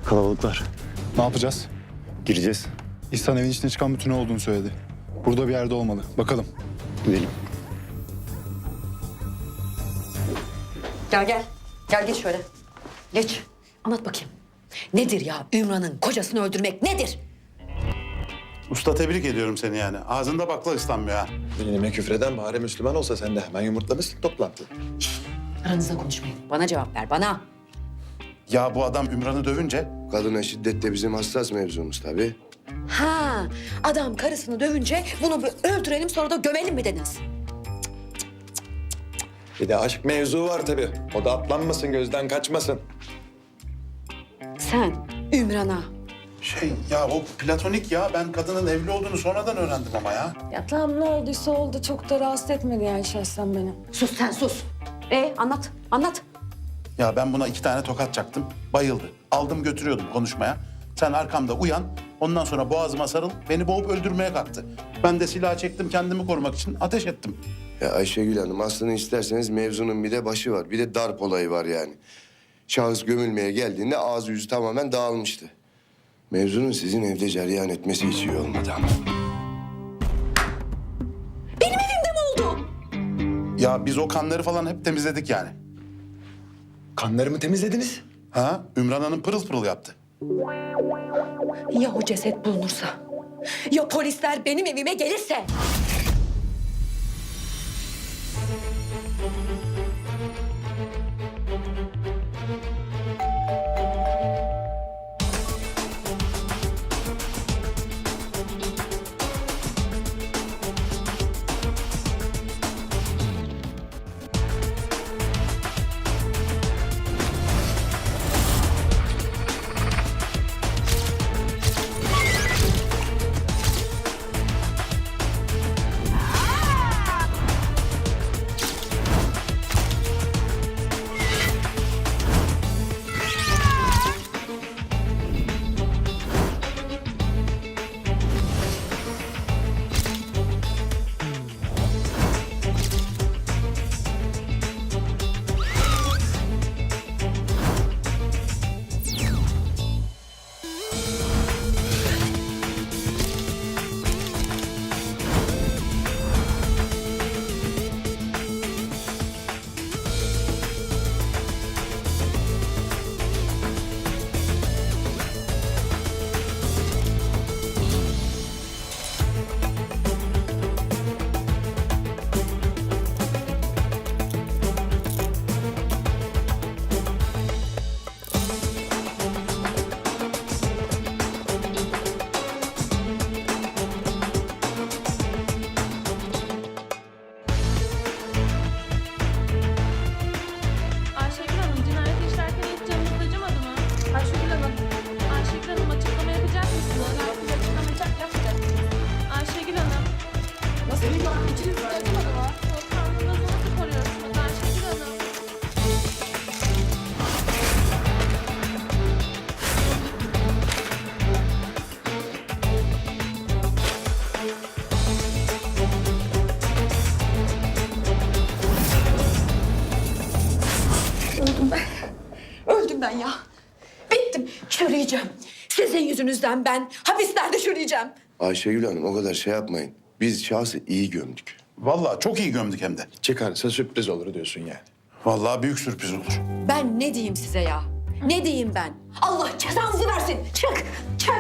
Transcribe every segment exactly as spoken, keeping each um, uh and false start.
Kalabalıklar. Ne yapacağız? Gireceğiz. İhsan evin içine çıkan bir tünel olduğunu söyledi. Burada bir yerde olmalı. Bakalım. Gidelim. Gel gel. Gel geç şöyle. Geç. Anlat bakayım. Nedir ya Ümran'ın kocasını öldürmek nedir? Usta tebrik ediyorum seni yani. Ağzında bakla ıslanmıyor ha. Dinime küfreden bari Müslüman olsa sen de hemen yumurtlamışsın toplantı. Aranızda konuşmayın. Bana cevap ver bana. Ya bu adam Ümran'ı dövünce Kadına şiddet de bizim hassas mevzumuz tabii. Ha, adam karısını dövünce bunu bir öldürelim sonra da gömelim mi dediniz? Bir de aşk mevzu var tabii. O da atlanmasın, gözden kaçmasın. Sen Ümran'a şey ya o platonik ya. Ben kadının evli olduğunu sonradan öğrendim ama ya. Ya tamam ne olduysa oldu. Çok da rahatsız etmedi yani şahsen beni. sus sen sus. E anlat anlat. Ya ben buna iki tane tokat çaktım. Bayıldı. Aldım götürüyordum konuşmaya. Sen arkamda uyan. Ondan sonra boğazıma sarıl. Beni boğup öldürmeye kalktı. Ben de silah çektim kendimi korumak için ateş ettim. Ya Ayşegül Hanım aslını isterseniz mevzunun bir de başı var. Bir de darp olayı var yani. Şahıs gömülmeye geldiğinde ağzı yüzü tamamen dağılmıştı. Mevzunun sizin evde cereyan etmesi hiç iyi olmadı ama. Benim evimde mi oldu? Ya biz o kanları falan hep temizledik yani. Kanlarımı temizlediniz. Ha? Ümran Hanım pırıl pırıl yaptı. Ya o ceset bulunursa? Ya polisler benim evime gelirse? Ayşegül Hanım, cinayet işlerken hiç canınız acımadı mı? Ayşegül Hanım, Ayşegül Hanım açıklama yapacak mısınız? Herkes açıklamayacak, yapacak. Ayşegül Hanım. Nasıl bir an içiniz acımadı mı? Soğukkanlılığınızı nasıl koruyorsunuz Ayşegül Hanım? Öldüm ben. Öldüm ben ya. Bittim. Çürüyeceğim. Sizin yüzünüzden ben hapislerde çürüyeceğim. Ayşegül Hanım o kadar şey yapmayın. Biz şahsı iyi gömdük. Vallahi çok iyi gömdük hem de. Çıkarsa sürpriz olur diyorsun yani. Vallahi büyük sürpriz olur. Ben ne diyeyim size ya? Ne diyeyim ben? Allah cezanızı versin. Çık, çık.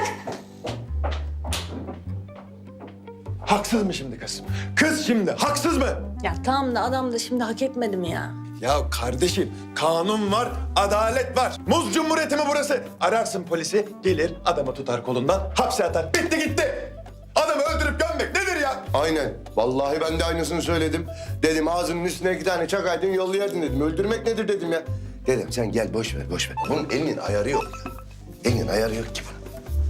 Haksız mı şimdi kız? Kız şimdi haksız mı? Ya tamam da adam da şimdi hak etmedi mi ya? Ya kardeşim kanun var, adalet var. Muz Cumhuriyeti mi burası? Ararsın polisi, gelir adamı tutar kolundan, hapse atar. Bitti gitti. Adamı öldürüp gömmek nedir ya? Aynen. Vallahi ben de aynısını söyledim. Dedim ağzının üstüne iki tane çakaydın yollayardın dedim. Öldürmek nedir dedim ya. Dedim sen gel boş ver boş ver. Bunun elinin ayarı yok ya. Elinin ayarı yok ki bunun.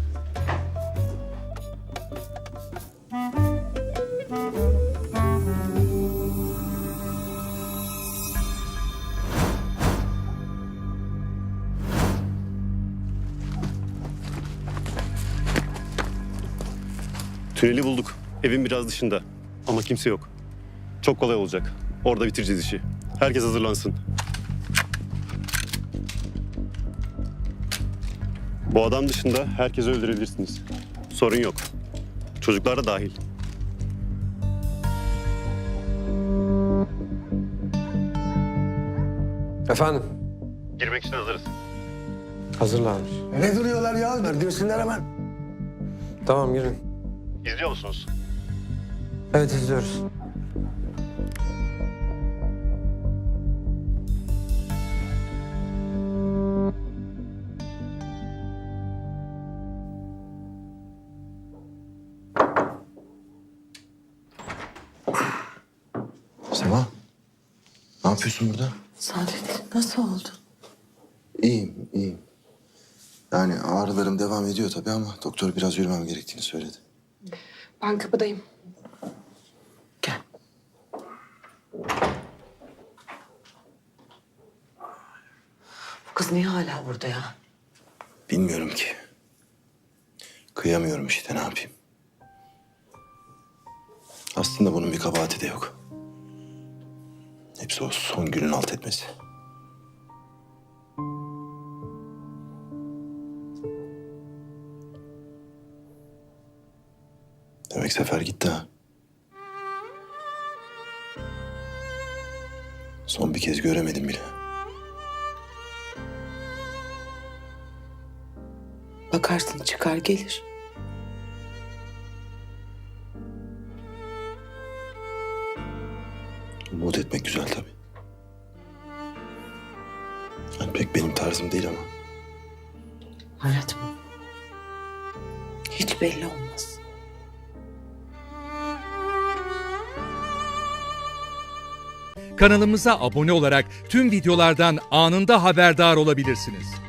Tüneli bulduk. Evin biraz dışında. Ama kimse yok. Çok kolay olacak. Orada bitireceğiz işi. Herkes hazırlansın. Bu adam dışında herkesi öldürebilirsiniz. Sorun yok. Çocuklar da dahil. Efendim? Girmek için hazırız. Hazırlanmış. Ne duruyorlar ya? Girsinler hemen. Tamam girin. İzliyor musunuz? Evet izliyoruz. Sema, ne yapıyorsun burada? Saadet nasıl oldu? İyiyim, iyiyim. Yani ağrılarım devam ediyor tabii ama doktor biraz yürümem gerektiğini söyledi. Ben kapıdayım. Gel. Bu kız niye hala burada ya? Bilmiyorum ki. Kıyamıyorum işte, ne yapayım? Aslında bunun bir kabahati de yok. Hepsi o son günün alt etmesi. Demek Sefer gitti ha. Son bir kez göremedim bile. Bakarsın çıkar gelir. Umut etmek güzel tabii. Yani pek benim tarzım değil ama. Hayat mı? Hiç belli olmaz. Kanalımıza abone olarak tüm videolardan anında haberdar olabilirsiniz.